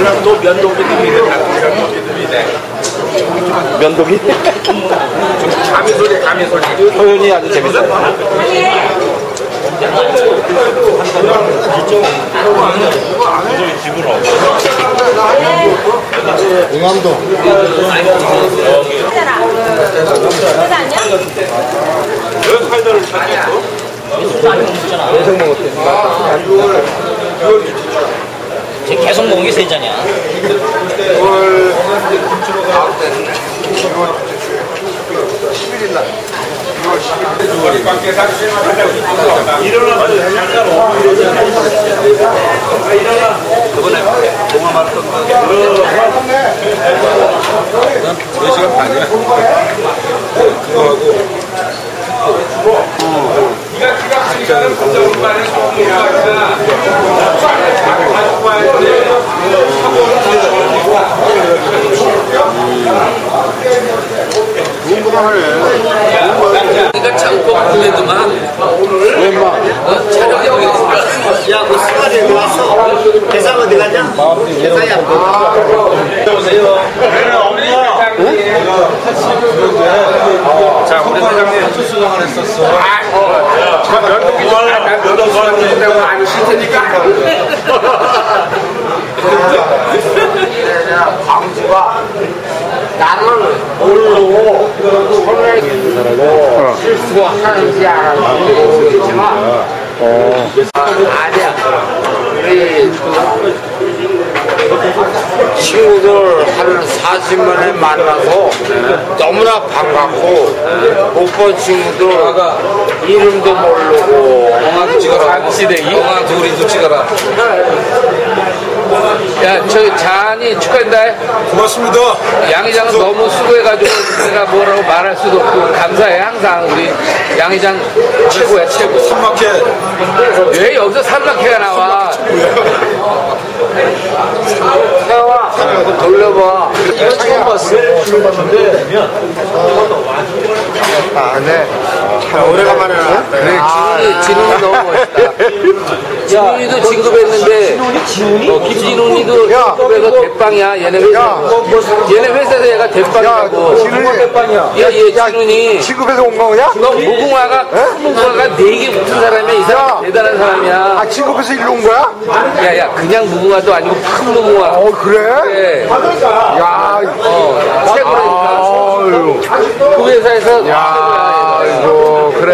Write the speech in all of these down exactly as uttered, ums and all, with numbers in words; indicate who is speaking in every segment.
Speaker 1: 또 면도기들이 면도기들이 돼.
Speaker 2: 면도기?
Speaker 1: 가미 소리, 가미 소리.
Speaker 2: 표현이 아주 재밌어요.
Speaker 3: 응암동.
Speaker 1: 왜 칼들을 찾겠어?
Speaker 2: 계속 먹었대.
Speaker 4: 지금 계속 먹은 게 세 잔이야.
Speaker 3: 십일일 날.
Speaker 1: 그번에 동화 말했던 거. 네 시간 반이야. 그거하고. 진짜는
Speaker 3: 좋은 거만 하네.
Speaker 4: 그러니까 장포 군대도만
Speaker 3: 웬만.
Speaker 4: 촬영하고 있으니까. 야, 그 수발이 어디 갔어? 대상 어디 갔냐? 대상이 안 보여.
Speaker 1: 오세요. 자, 우리 사장님 수수장을 했었어. 면도기 좀 면도기 때문에 안 싫다니까.
Speaker 5: 광주가 나를 모르고 손에 들고 실수하는지 알아서 모르겠지만 아, 아니야. 우리 친구들 한 사십 년에 만나서 너무나 반갑고 못 본 친구들 이름도 모르고
Speaker 4: 영화도 찍어라. 시대기. 영화 둘이도 찍어라. 야, 저 잔이 축하한다.
Speaker 3: 고맙습니다.
Speaker 4: 양회장은 너무 수고해가지고 내가 뭐라고 말할 수도 없고 감사해. 항상 우리 양회장 최고야, 최고.
Speaker 3: 삼막회.
Speaker 4: 왜 여기서 삼각회가 나와?
Speaker 5: 태영아 좀 돌려봐.
Speaker 2: 이거 처음 봤어. 처음 봤는데.
Speaker 3: 아, 네. 참 오래간만에 나왔다.
Speaker 4: 그래, 진훈이, 진훈이 너무 멋있다. 진훈이도 진급했는데, 어, 김진훈이도 진급해서 대빵이야. 얘네 회사. 얘네 회사에서 얘가 대빵이라고.
Speaker 3: 진훈이 대빵이야.
Speaker 4: 야, 얘 진훈이.
Speaker 3: 친급해서 온 거냐?
Speaker 4: 너 무궁화가, 큰 무궁화가 네 개 붙은 사람이야. 이 사람 대단한 사람이야.
Speaker 3: 아, 친급해서 일로 온 거야?
Speaker 4: 야, 야, 그냥 무궁화도 아니고 큰 무궁화.
Speaker 3: 어, 그래?
Speaker 4: 그래.
Speaker 3: 야,
Speaker 4: 어, 최고라니까.
Speaker 3: 아유.
Speaker 4: 그 회사에서.
Speaker 3: 야, 이거, 그래.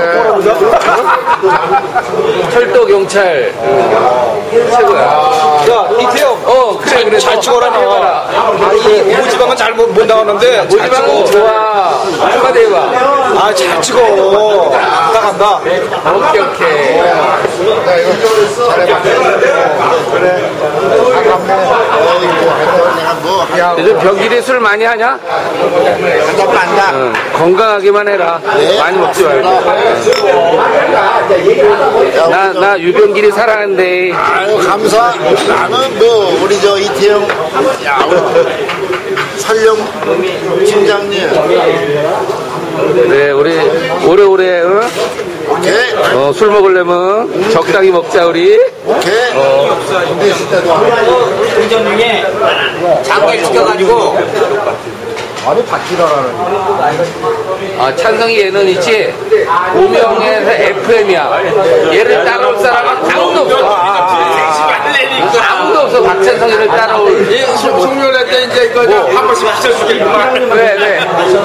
Speaker 4: 철도 경찰. 최고야.
Speaker 2: 야, 이태영.
Speaker 4: 어, 그래, 그래.
Speaker 2: 잘 찍어라, 나와. 모지방은 잘 못 나오는데.
Speaker 4: 모지방은 좋아. 축하대봐.
Speaker 2: 아, 잘 찍어. 간다, 간다.
Speaker 4: 오케이, 오케이.
Speaker 3: 야, 이거 잘해봐. 그래. 반갑네. 야,
Speaker 4: 요즘 병길이 술 많이 하냐?
Speaker 3: 반갑다.
Speaker 4: 응. 건강하게만 해라. 많이 먹지 말고. 나, 나 유병길이 사랑한대.
Speaker 3: 아유, 감사. 나는 뭐, 우리 저 이태영, 야, 우리 설령 팀장님.
Speaker 4: 그래, 우리 오래오래, 응?
Speaker 3: 오케이.
Speaker 4: 어, 술 먹으려면 적당히 먹자, 우리.
Speaker 3: 오케이.
Speaker 4: 어.
Speaker 3: 군대 있을 때도 안
Speaker 4: 운전 중에 장기 시켜가지고.
Speaker 3: 아니, 바뀌라라는.
Speaker 4: 아, 찬성이 얘는 있지? 오명에서 에프엠이야. 얘를 따라올 사람은 아무도 없어. 아무도 없어. 박찬성이를 따라올.
Speaker 1: 송년회 때 이제 이거 한 번씩 비춰주겠구만.
Speaker 4: 네, 네.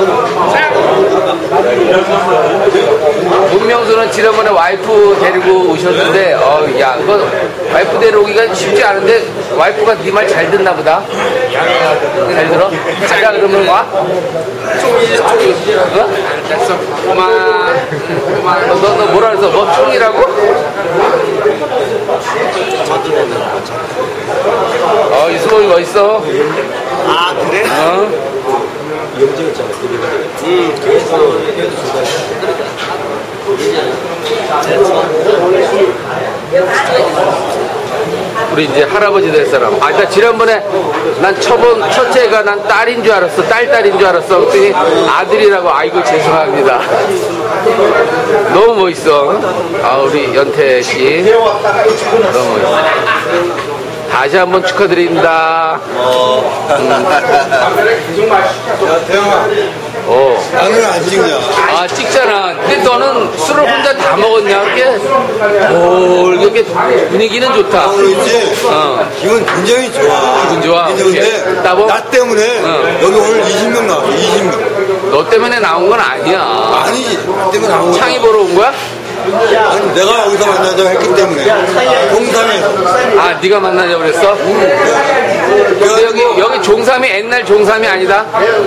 Speaker 4: 문명수는 지난번에 와이프 데리고 오셨는데, 어, 야, 그거 와이프 데려오기가 쉽지 않은데, 와이프가 네 말 잘 듣나 보다. 잘 들어? 자자 그러면 와? 총이, 총이. 어? 됐어. 고마. 고마. 너, 너, 너 뭐라 그랬어? 뭐 총이라고? 어, 이수범이 멋있어.
Speaker 5: 아 그래?
Speaker 4: 어? 우리 이제 할아버지 될 사람. 아, 나 지난번에 난 처본 첫째가 난 딸인 줄 알았어. 딸 딸인 줄 알았어. 그랬더니 아들이라고. 아이고 죄송합니다. 너무 멋있어. 아, 우리 연태 씨 너무 멋있어. 다시 한번 축하드립니다. 어.
Speaker 3: 나는 안 찍냐.
Speaker 4: 아, 찍잖아. 근데 너는 술을 혼자 다 먹었냐? 이렇게, 오, 이렇게 분위기는 좋다.
Speaker 3: 그렇지.
Speaker 4: 어.
Speaker 3: 기분 굉장히 좋아.
Speaker 4: 기분 좋아.
Speaker 3: 근데
Speaker 4: 나보?
Speaker 3: 나 때문에
Speaker 4: 어.
Speaker 3: 여기 오늘 이십 명 나왔어. 이십 명.
Speaker 4: 너 때문에 나온 건 아니야.
Speaker 3: 아니지. 나 때문에 나온 거야.
Speaker 4: 창이 보러 온 거야?
Speaker 3: 아니, 내가 여기서 만나자고 했기 때문에. 종삼에서.
Speaker 4: 아, 네가 만나자고 그랬어? 근데 여기, 여기 종삼이 옛날 종삼이 아니다?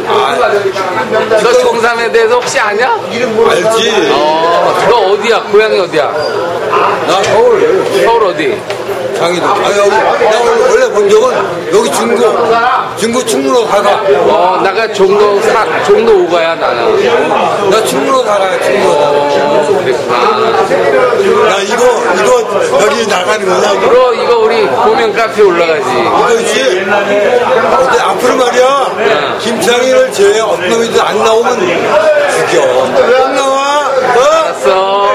Speaker 4: 너 종삼에 대해서 혹시 아냐?
Speaker 3: 알지.
Speaker 4: 어, 너 어디야? 고향이 어디야?
Speaker 3: 나 서울.
Speaker 4: 서울 어디?
Speaker 3: 장이도. 아, 여기, 나 원래 본 적은 여기 중구. 중구 충무로 살아.
Speaker 4: 어, 나가 종로 사, 종로 오가야, 나는.
Speaker 3: 나 충무로 살아요, 충무로.
Speaker 4: 어, 그랬구나.
Speaker 3: 나 이거, 이거 여기 나가는 거야. 이거.
Speaker 4: 그럼 이거 우리 고명 카페 올라가지.
Speaker 3: 그렇지. 근데 앞으로 말이야. 김창희를 제외 어떤 놈이든 안 나오면 죽여. 안 나와. 어?
Speaker 4: 알았어.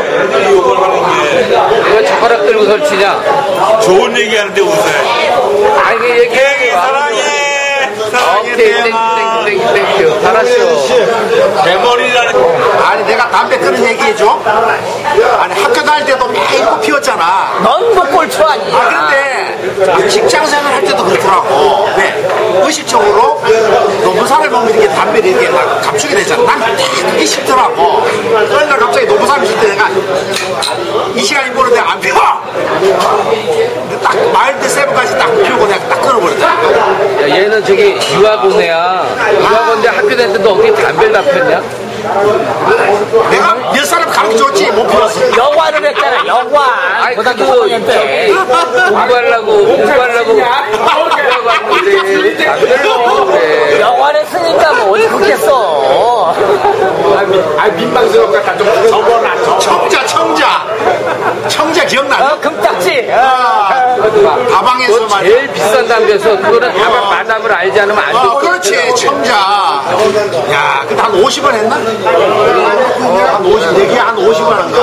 Speaker 4: 왜 젓가락 들고 설치냐?
Speaker 6: 좋은 얘기 하는데 웃어요.
Speaker 4: 아, 이게 얘기해.
Speaker 6: 사랑해. 사랑해.
Speaker 4: 오케이, 땡큐, 땡큐, 땡큐, 땡큐. 잘하시오.
Speaker 6: 대머리라는.
Speaker 1: 아니 내가 담배 끊은 얘기해줘. 아니 학교 다닐 때도 매일 피웠잖아.
Speaker 2: 넌뭐 꼴초 아니야.
Speaker 1: 아 근데 직장생활 할 때도 그렇더라고. 왜? 의식적으로 노부사를 먹는 게 담배를 이렇게 막 감추게 되잖아. 난 그게 싫더라고. 그러니까 갑자기 노부사를 쉴 때 내가 이 시간이 모르는데 안 피워. 근데 딱 마일드 세븐까지 딱 피우고 내가 딱 끊어버렸잖아.
Speaker 4: 야, 얘는 저기 유학원애야. 유학원인데 학교 다닐 때도 어떻게 담배를 다 폈냐?
Speaker 1: 내가 몇 사람 가르쳐줬지 못 피웠어.
Speaker 2: 영화를 했잖아, 영화.
Speaker 4: 아이,
Speaker 2: 고등학교
Speaker 4: 그래도
Speaker 2: 삼 학년 때.
Speaker 4: 공부하려고, 공부하려고, 공부하려고 왔는데, 담배를 피우고 그래.
Speaker 2: 영화를 했으니까 뭐 어디 그렇겠어.
Speaker 1: 아 민망스럽다. 좀 접어놔. 청자 청자. 청자 기억나?
Speaker 2: 어, 금딱지.
Speaker 1: 아, 다방에서
Speaker 4: 그거
Speaker 1: 말이야.
Speaker 4: 제일 비싼 담배에서 그거는 다방 마담을 알지 않으면 안 돼.
Speaker 1: 어, 그렇지, 청자. 야, 근데 한 오십 원 했나? 한 오십, 내게 한 오십 원 한가?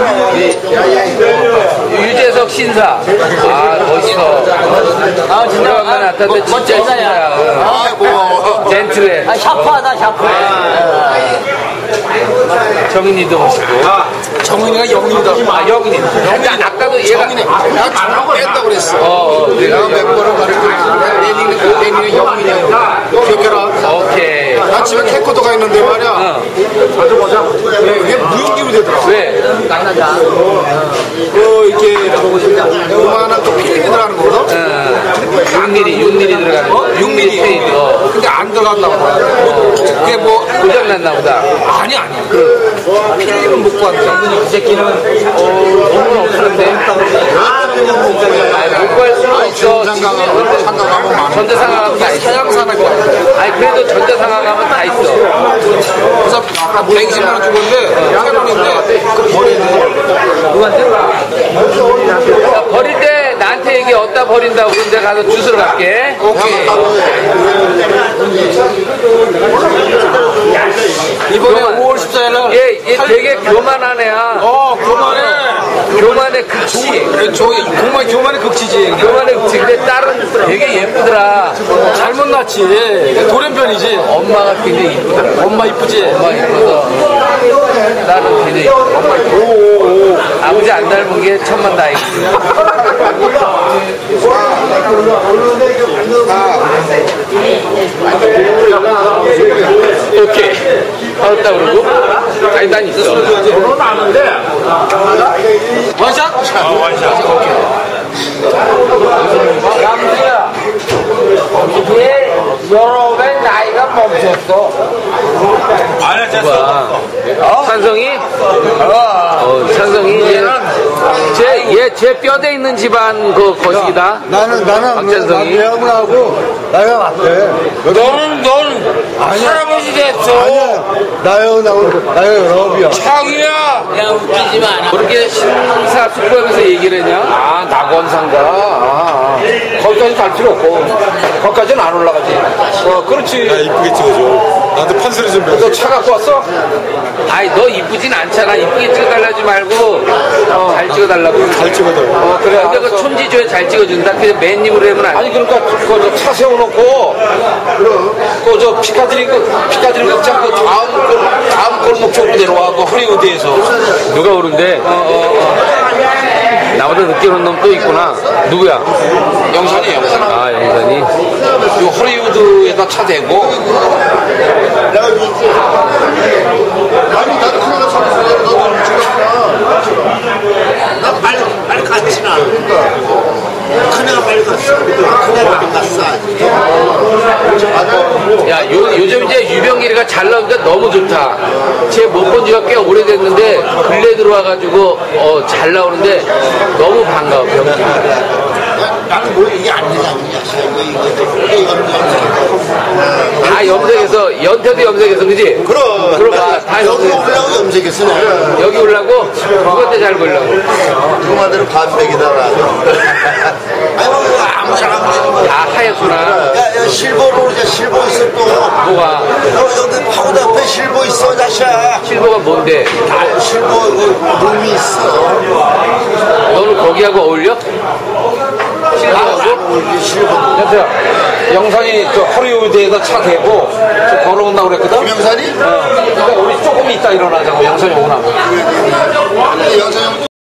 Speaker 4: 유재석 신사. 아, 멋있어.
Speaker 2: 아, 진짜.
Speaker 4: 오래간만에
Speaker 2: 아,
Speaker 4: 나타났는데
Speaker 2: 멋-
Speaker 4: 진짜
Speaker 2: 멋지다야.
Speaker 4: 신사야.
Speaker 1: 아, 뭐.
Speaker 4: 젠틀해.
Speaker 2: 아, 샤프하다, 샤프해.
Speaker 4: 정인이도 멋있고.
Speaker 1: 정민이가 영민이다.
Speaker 4: 아, 영인이. 근데 아까도 얘가.
Speaker 1: 내가 잘하고 뺐다고 그랬어.
Speaker 4: 어, 어,
Speaker 1: 내가 몇 번을 말했고, 내 니는, 내 니는 영민이야. 기억해라.
Speaker 4: 오케이.
Speaker 1: 나 집에 캠코더가 있는데 말이야.
Speaker 4: 어.
Speaker 1: 자주 보자. 이게 무용기로 되더라고.
Speaker 4: 왜?
Speaker 1: 그, 이렇게, 요만한 또 필름이 들어가는 거거든?
Speaker 4: 어, 육 밀리미터, 육 밀리미터 들어가는 거.
Speaker 1: 육 밀리미터.
Speaker 4: 어.
Speaker 1: 근데 안 들어간다고. 그게 뭐,
Speaker 4: 고장났나 보다.
Speaker 1: 아니, 아니. 그, 필름을 못 구한다. 그 새끼는.
Speaker 4: 어, 돈은 없었는데. 아니, 못 구할 수는 없어.
Speaker 1: 전자상가가 상가가면 많아.
Speaker 4: 전자상가가면 다 있어.
Speaker 1: 서양산업이
Speaker 4: 아니, 그래도 전자상가가면 다 있어.
Speaker 1: 그래서 아까 백이십만 원 주고인데, 캐논인데, 그 버리는
Speaker 4: 누구한테? 야, 버릴 때 나한테 얘기 어디다 버린다고 그런데 가서 주스러 갈게.
Speaker 1: 오케이.
Speaker 4: 이번에 오월 십사일날 얘, 얘 되게 교만한 애야.
Speaker 1: 어, 그만해.
Speaker 4: 교만의 극치.
Speaker 1: 저기, 정말 교만의 극치지.
Speaker 4: 교만의 극치. 근데 딸은 되게 예쁘더라.
Speaker 1: 잘못 낳지. 돌연변이지.
Speaker 4: 엄마가 굉장히 이쁘더라.
Speaker 1: 엄마 이쁘지?
Speaker 4: 엄마 이뻐서 딸은 굉장히 이뻐. 아버지 안 닮은 게 천만 다행이지. 오케이. 알았다 그러고. 아니 난 있어.
Speaker 1: 결혼 아는데. 원샷?
Speaker 6: 어, 원샷.
Speaker 4: 남수야, 얘 여러 배 나이가 멈췄어.
Speaker 6: 아니야, 진짜
Speaker 4: 어? 찬성이? 어, 찬성이 얘는 쟤, 얘, 쟤 뼈대 있는 집안 그 거식이다.
Speaker 3: 나는, 나는,
Speaker 4: 박찬성이.
Speaker 3: 나하고 나이가 맞대.
Speaker 6: 너는, 넌 할아버지 됐어.
Speaker 3: 아니야. 나하고 나이가 열아홉이야.
Speaker 6: 창이야.
Speaker 2: 야, 웃기지 마.
Speaker 4: 그렇게 신사 숙고하면서 얘기를 했냐? 아, 낙원상가. 아, 아. 거기까지 갈 필요 없고. 거기까지는 안 올라가지.
Speaker 2: 어, 그렇지.
Speaker 3: 야, 이쁘게 찍어줘. 나한테 판소리 좀
Speaker 2: 너
Speaker 3: 해줘.
Speaker 2: 차 갖고 왔어?
Speaker 4: 아이 너 이쁘진 않잖아. 이쁘게 찍어달라지 말고 어, 잘 찍어달라고.
Speaker 3: 잘 찍어줘.
Speaker 2: 어, 그래.
Speaker 4: 근데 그
Speaker 2: 알았어.
Speaker 4: 촌지조에 잘 찍어준다. 그냥 맨입으로 하면 안 돼.
Speaker 2: 아니 그러니까 그차 세워놓고 그 저 피카디리 그 피카디리 극장 그 다음 골 다음 골목 쪽으로 내려와 그 허리우드에서
Speaker 4: 누가 오는데 나보다 늦게 오는 놈 또 있구나. 누구야?
Speaker 2: 영산이 영산.
Speaker 4: 아 영산이.
Speaker 2: 요 허리우드에다 차 대고
Speaker 1: 아니 나도 그러다 잡았어. 너도 지금 나 빨리 빨리 갔지 나. 큰애가 빨리 갔어. 큰애가 안 갔어.
Speaker 4: 야 요, 요즘 이제 유병길이가 잘 나오니까 너무 좋다. 쟤 못 본 지가 꽤 오래됐는데 근래 들어와가지고 어, 잘 나오는데 너무 반가워. 병길이.
Speaker 1: 나는 뭐 이게 안 되냐 이거 이거 이거 이거
Speaker 4: 다 염색해서 연태도 염색해서 그지?
Speaker 1: 그럼
Speaker 4: 그럼 다
Speaker 1: 여기
Speaker 4: 염색.
Speaker 1: 올라고 염색했어.
Speaker 4: 여기 올라고 누구한테 잘 보려고.
Speaker 1: 그만대로 반백이다라. 아니 뭐 아무 사람 되는 거.
Speaker 4: 다 하였구나.
Speaker 1: 야, 야 실버로 오자. 실버 있어 또.
Speaker 4: 뭐가?
Speaker 1: 너 여기 파고다 앞에 실버 있어 자샤.
Speaker 4: 실버가 뭔데?
Speaker 1: 아, 실버 그 룸이 있어.
Speaker 4: 너는 거기하고 어울려? 실버하고?
Speaker 1: 우리 실버.
Speaker 2: 여보세요. 영산이 저 허리우드에다 차 대고 저 걸어온다고 그랬거든.
Speaker 1: 김영산이?
Speaker 2: 어. 그러니까 우리 조금 이따 일어나자고 영산이 오고 나면.
Speaker 1: 영산이